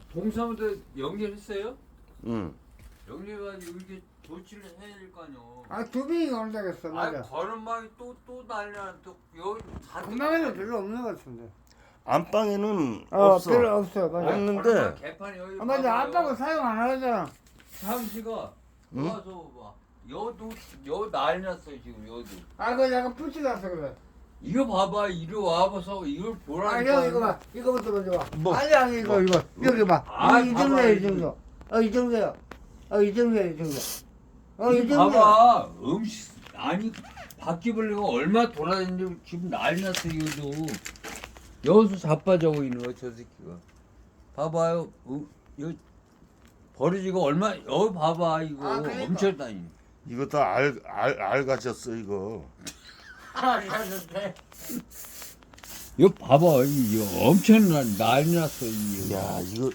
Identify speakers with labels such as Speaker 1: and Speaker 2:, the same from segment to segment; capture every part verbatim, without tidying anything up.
Speaker 1: 동사무소 연결했어요?
Speaker 2: 응.
Speaker 1: 연결해가지고 이렇게 조치를 해야 될 거 아니요.
Speaker 3: 아, 두 명이 온다겠어,
Speaker 1: 아,
Speaker 3: 맞아.
Speaker 1: 걸음마이 또또 난리나 또 여기 다.
Speaker 3: 건강에는 별로 없는 것 같은데.
Speaker 2: 안방에는
Speaker 3: 어,
Speaker 2: 없어.
Speaker 3: 별로 없어, 맞아.
Speaker 2: 없는데.
Speaker 1: 개판이 여기.
Speaker 3: 아, 맞아. 아빠가 사용 안 하잖아.
Speaker 1: 상씨가
Speaker 2: 응?
Speaker 1: 와서 봐. 여도 여 난리 났어요 지금 여도.
Speaker 3: 아, 그거 약간 붙이라서 그래.
Speaker 1: 이거 봐봐 이리 와봐서 이걸
Speaker 3: 아,
Speaker 1: 보라니까.
Speaker 3: 형, 이거 봐. 이거부터 먼저 봐.
Speaker 2: 뭐?
Speaker 3: 아니, 아니, 이거, 이거. 여기 봐.
Speaker 1: 아,
Speaker 3: 이, 이 정도야,
Speaker 1: 봐봐,
Speaker 3: 이 정도. 어, 이 정도야. 어, 이 정도야, 이 정도. 어, 이
Speaker 1: 이거
Speaker 3: 정도야.
Speaker 1: 봐봐 음식 아니 바퀴벌레가 얼마 돌아다니는지 지금 난리 났어 이거도. 여기서 자빠져고 있는 거야 저 새끼가. 봐봐요. 어, 여 버려지고 얼마 여기 봐봐 이거
Speaker 3: 아, 그러니까.
Speaker 1: 엄청 다니.
Speaker 2: 이거 다 알, 알, 알 가졌어, 이거.
Speaker 3: 아, 잘했네.
Speaker 1: 이거 봐봐 이거 엄청 난 난리 났어 이거.
Speaker 2: 야, 이거.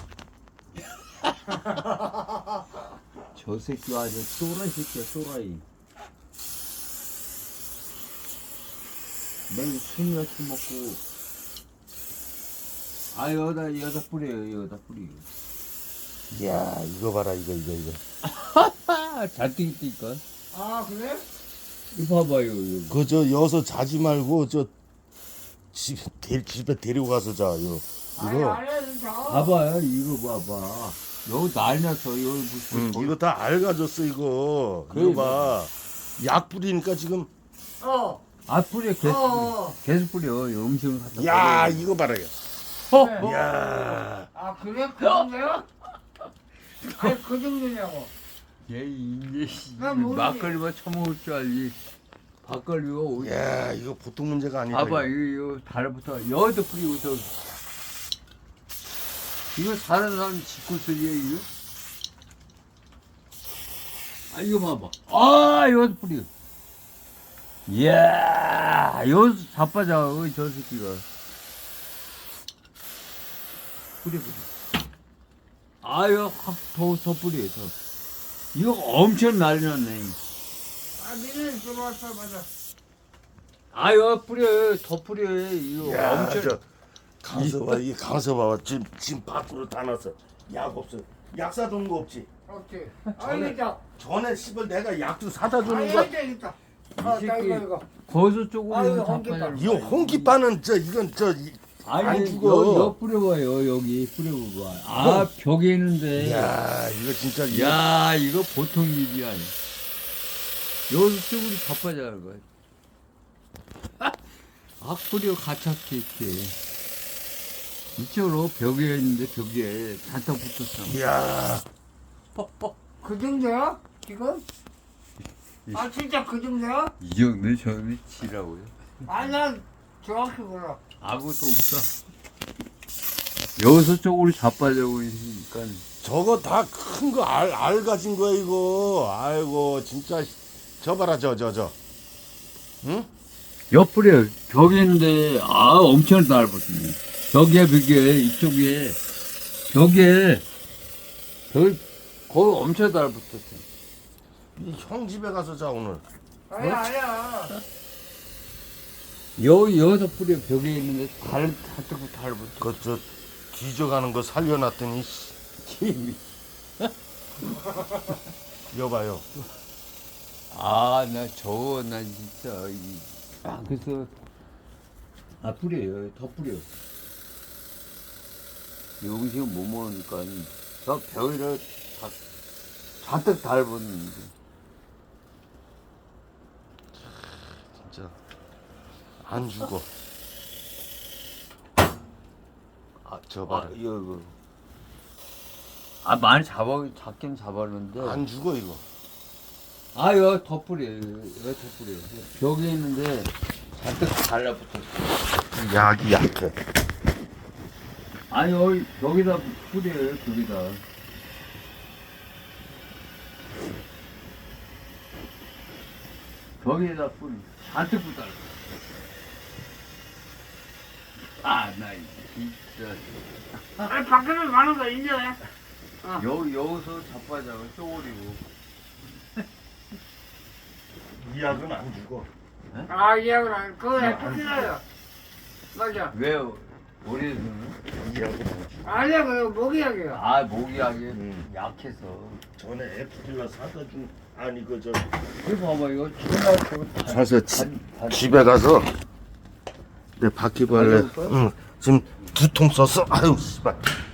Speaker 1: 저 새끼 아주 또라이 새끼야 또라이. 매일 술이나 술 먹고. 아 여기다 여기다 뿌려요 여기다 뿌려요.
Speaker 2: 야, 이거 봐라, 이거, 이거, 이거.
Speaker 1: 아 잔뜩 있다니까.
Speaker 3: 아, 그래?
Speaker 1: 이거 봐봐요 이거.
Speaker 2: 그, 저, 여서 자지 말고, 저, 집, 데, 집에 데리고 가서 자, 이거.
Speaker 3: 아니,
Speaker 2: 이거.
Speaker 3: 아니, 진짜.
Speaker 1: 봐봐요 이거 봐봐. 여기 난리 났어 여기 무슨.
Speaker 2: 응, 이거 다 알 가졌어, 이거.
Speaker 1: 그래,
Speaker 2: 이거 봐. 약 뿌리니까 지금.
Speaker 3: 어.
Speaker 1: 아 뿌려 계속
Speaker 3: 어.
Speaker 1: 뿌려. 계속 뿌려 이 음식을 갖다.
Speaker 2: 야,
Speaker 1: 뿌려.
Speaker 2: 이거 봐라, 이거.
Speaker 1: 어?
Speaker 3: 그래.
Speaker 2: 야.
Speaker 3: 아, 그래? 그 정도야? 아니, 그 정도냐고.
Speaker 1: 얘 이제
Speaker 3: 난 모르지.
Speaker 1: 막걸리만 처먹을 줄 알지. 막걸리가 어디.
Speaker 2: 야, 이거 보통 문제가 아니다.
Speaker 1: 봐봐
Speaker 2: 이거.
Speaker 1: 이거 이거 달부터 여기도 뿌리고 저. 이거 사는 사람 짓고 쓰기에 이거. 아 이거 봐봐. 아 이것도 뿌려. 이야 여기서 자빠져 어이, 저 새끼가. 뿌려 뿌려. 아 이거 확더더 뿌려 더. 이거 엄청 난리 났네.
Speaker 3: 아, 니네 들어왔어, 맞아.
Speaker 1: 아 이거 뿌려 더 뿌려 이거
Speaker 2: 야,
Speaker 1: 엄청.
Speaker 2: 저 강서 봐, 이 강서 봐봐. 지금 지금 밖으로 다 났어. 약 없어. 약 사준 거 없지.
Speaker 3: 오케이.
Speaker 2: 전에-
Speaker 3: 아, 있다.
Speaker 2: 전에 씨발 내가 약도 사다
Speaker 3: 아,
Speaker 2: 주는 거.
Speaker 3: 있다, 있다. 아, 나
Speaker 1: 새끼.
Speaker 3: 이거, 이거.
Speaker 1: 거기서 쪽으로
Speaker 3: 아, 이거
Speaker 1: 자빠져.
Speaker 3: 홍기빵.
Speaker 2: 이 홍기빠는 저 이건 저 이- 안
Speaker 1: 아니
Speaker 2: 죽어.
Speaker 1: 여, 여 뿌려봐요 여기 뿌려봐. 아
Speaker 2: 어.
Speaker 1: 벽에 있는데.
Speaker 2: 야, 이거 진짜 이-
Speaker 1: 야 이거 보통 일이 아니야. 여기서 쪽으로 자빠져는 거야. 아 뿌려 가차게 이렇게. 이쪽으로 벽에 있는데 벽에 잔뜩 붙었어.
Speaker 2: 야,
Speaker 3: 그 정도야? 지금? 아, 진짜 그 정도야?
Speaker 1: 이 정도 저는 치라고요.
Speaker 3: 아, 난 정확히 몰라.
Speaker 1: 아무것도 없어. 여기서 쪽으로 자빠져고 있으니까.
Speaker 2: 저거 다 큰 거 알 알 가진 거야 이거. 아이고 진짜 저 봐라 저 저 저. 응?
Speaker 1: 옆구리에 벽이 있는데 아 엄청 넓었네. 벽에 벽에 이쪽에 벽에 벽 거기 엄청 넓었어.
Speaker 2: 이 형 집에 가서 자 오늘.
Speaker 3: 아니야, 아니야.
Speaker 1: 여기 여기서 뿌려 벽에 있는데 달 다뜨고 달붙어.
Speaker 2: 그 저 뒤져가는 거 살려놨더니
Speaker 1: 힘이.
Speaker 2: 여봐요.
Speaker 1: 아나 저거 나 진짜 이. 아 그래서 아 뿌려요 더 뿌려. 이 음식은 못 먹으니까 저 벽에를 다 잔뜩 달았는데.
Speaker 2: 진짜 안 죽어. 아, 저 봐라.
Speaker 1: 아, 이거, 이거. 아, 많이 잡아, 잡긴 잡았는데.
Speaker 2: 안 죽어 이거.
Speaker 1: 아, 이거 더 뿌려. 이거 더 뿌려. 벽에 있는데 잔뜩 달라붙었어.
Speaker 2: 약이 약해.
Speaker 1: 아니, 여기, 여기다 뿌려요, 여기다. 벽에다 뿌려. 잔뜩 붙달라. 아, 나 진짜.
Speaker 3: 아니, 밖에는 가는 거 인정해.
Speaker 1: 여, 여기서 자빠져가 쪼그리고.
Speaker 2: 이 약은 안 죽어.
Speaker 3: 아, 이해하고 난 그거 해, 끝나요. 맞아.
Speaker 1: 왜요? 우리는
Speaker 3: 아니야, 그냥 목이야기야.
Speaker 1: 아 모기하기
Speaker 2: 음.
Speaker 1: 약해서.
Speaker 2: 전에 에프킬러 사다 준 아니 그저
Speaker 1: 이거 봐봐 이거 지금
Speaker 2: 사서 지, 집에 가서 내 바퀴벌레
Speaker 3: 가져올 거야?
Speaker 2: 응, 지금 두 통 썼어. 아유 씨발.